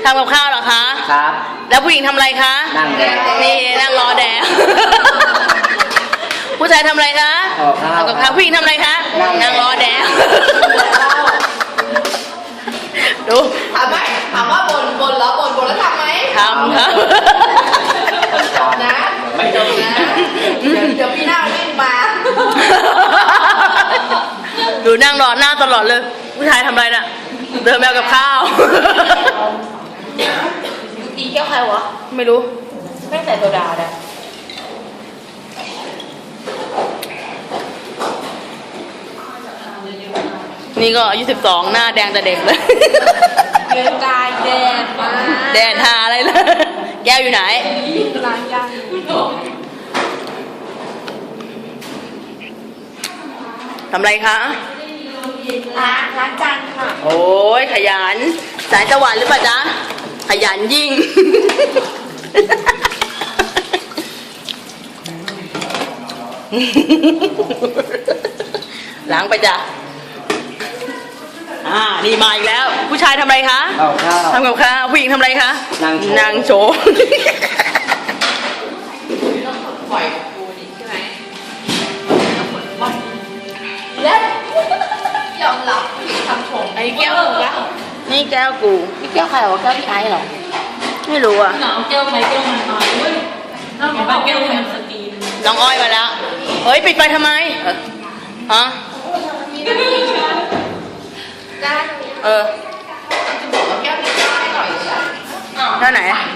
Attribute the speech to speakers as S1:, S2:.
S1: ทำกับข้าวเหรอคะ
S2: ครับ
S1: แล้วผู้หญิงทำอะไรคะ
S2: นั่งแดด
S1: นี่นั่งรอแดดผู้ชายทำอะไรคะทำกับข้าวผู้หญิงทำอะไรคะนั่งรอแดดดู
S3: ถามว่าบนแล้วแล้วทำไหม
S1: ทำครับ
S3: นะไม่ต้องนะเดี๋ยวพี่หน้าวิ่งมา
S1: ดูนั่งรอหน้าตลอดเลยผู้ชายทำอะไรน่ะเดินแมวกับข้าว
S3: อีแก้วใครวะ
S1: ไม่รู้
S3: ไม่ใส่โซดาเลย
S1: นี่ก็อายุ12หน้าแดงแต่เด็กเลย
S3: เดินกายแดดมา
S1: แดดหาอะไรล่ะแก้วอยู่ไหน
S3: ล้างยาง
S1: ทำอะไรคะ
S3: ล้างจานค่ะ
S1: โอ้ยขยันสายสวรรค์หรือเปล่าจ๊ะขยันยิ่งล้างไปจ้ะนี่มาอีกแล้วผู้ชายทำอะไรคะทำกับข้าวผู้หญิงทำอะไรคะนางโชว์
S3: ปล่อยกูนี่ใช่ไหมเล่นยอมรับทำชม
S1: ไอ้แก้วกูนี่แก้วกู
S3: นี่แก้วใครวะแก้วพี่ไอ้เหรอ
S1: ไม่รู้อ่ะ
S3: แก้วไหนแก้วมันน้อยเว้ยน้องบอกแก้วมันสตีน
S1: น้องอ้อยมาแล้วเฮ้ยปิดไฟทำไมฮะ
S3: ได้
S1: จะบอกว่า
S3: แก้วพี่ไอ้หน่อย
S1: ท่าไหน